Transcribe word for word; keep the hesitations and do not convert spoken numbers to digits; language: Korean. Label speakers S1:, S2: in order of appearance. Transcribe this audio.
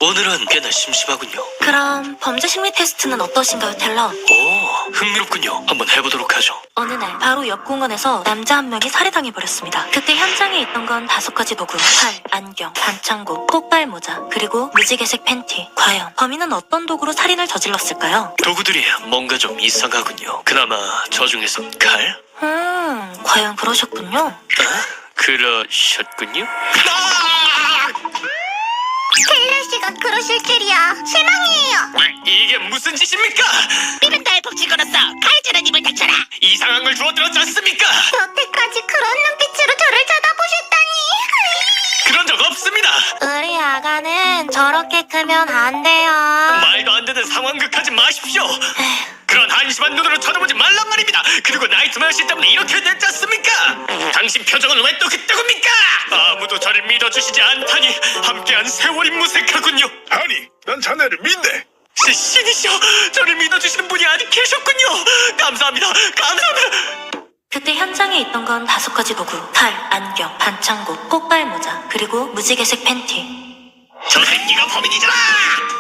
S1: 오늘은 꽤나 심심하군요.
S2: 그럼 범죄 심리 테스트는 어떠신가요, 텔러?
S1: 오, 흥미롭군요. 한번 해보도록 하죠.
S2: 어느 날 바로 옆 공원에서 남자 한 명이 살해당해버렸습니다. 그때 현장에 있던 건 다섯 가지 도구: 칼, 안경, 반창고, 폭발 모자, 그리고 무지개색 팬티. 과연 범인은 어떤 도구로 살인을 저질렀을까요?
S1: 도구들이 뭔가 좀 이상하군요. 그나마 저 중에선 칼?
S2: 음, 과연 그러셨군요.
S1: 어? 그러셨군요?
S3: 텔러 씨가 그러실 줄이야. 실망이에요.
S1: 이게 무슨 짓입니까?
S3: 삐른달 법칙 걸었어. 칼질한 입을 닥쳐라.
S1: 이상한 걸 주워들었지 않습니까?
S3: 여태까지 그런 눈빛으로 저를 쳐다보셨다니.
S1: 그런 적 없습니다.
S2: 우리 아가는 저렇게 크면 안 돼요.
S1: 말도 안 되는 상황극하지 마십시오. 그런 한심한 눈으로 쳐다보지 말란 말입니다. 그리고 나이트메어 씨 때문에 이렇게 됐지 않습니까? 당신 표정은 왜 또 그때입니까? 아무도 저를 믿어주시지 않다니 함께한 세월이 무색하군요.
S4: 아니, 난 자네를 믿네.
S1: 시, 신이시여, 저를 믿어주시는 분이 아직 계셨군요. 감사합니다. 감사합니다.
S2: 그때 현장에 있던 건 다섯 가지 도구: 칼, 안경, 반창고, 폭발 모자, 그리고 무지개색 팬티.
S1: 저 새끼가 범인이잖아.